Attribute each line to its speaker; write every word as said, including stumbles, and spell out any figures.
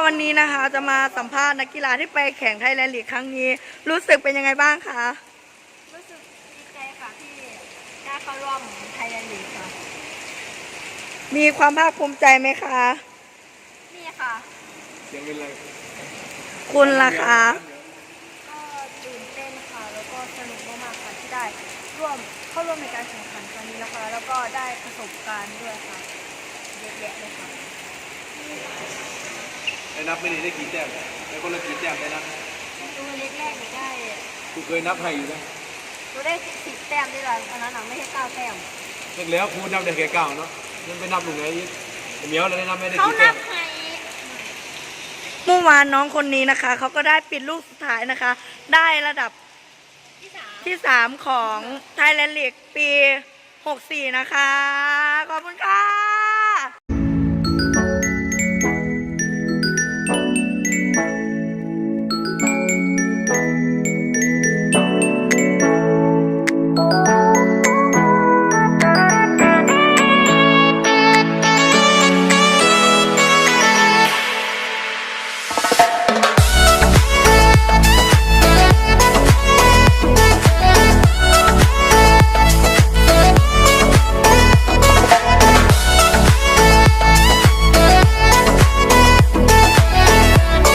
Speaker 1: วันนี้นะคะจะมาสัมภาษณ์นักกีฬาที่ไปแข่งไทยแลนด์ลีกครั้งนี้รู้สึกเป็นยังไงบ้างคะ
Speaker 2: รู้สึกดีใจค่ะที่ได้เข้าร่วมไทยแลนด์ลีกค่ะ
Speaker 1: มีความภาคภูมิใจไหมคะ
Speaker 2: นี่ค่ะ
Speaker 3: เสียงเป็นไร
Speaker 1: คุณล่ะคะ
Speaker 2: ก็ตื่นเต้นค่ะแล้วก็สนุกมากๆค่ะที่ได้ร่วมเข้าร่วมในการแข่งขันครั้งนี้นะคะแล้วก็ได้ประสบการณ์ด้วยค่ะเยอะแยะเลยค่ะ
Speaker 3: ได้นับไม่ได้ได้กี่แต้มได้คนละกี่แต้มได้นับ
Speaker 2: ตัวเล็กแรกหนูได้
Speaker 3: กูเคยนับให้อยู่นะ
Speaker 2: หนูได้สิบแต้มได้เลยอันนั้นหนังไม่ใช่เก้าแต้ม
Speaker 3: เสร็จแล้วครูนับได้แค่เก้าเนาะนั่นไปนับหนูไงเหมียวเราได้นับไม่ได้
Speaker 2: เขา
Speaker 3: กี่แต้
Speaker 2: นั
Speaker 3: ม
Speaker 2: บให้
Speaker 1: เมื่อวานน้องคนนี้นะคะเขาก็ได้ปิดลูกสุดท้ายนะคะได้ระดับที่สามของไทยแลนด์ลีกปีหกสี่นะคะขอบคุณค่ะ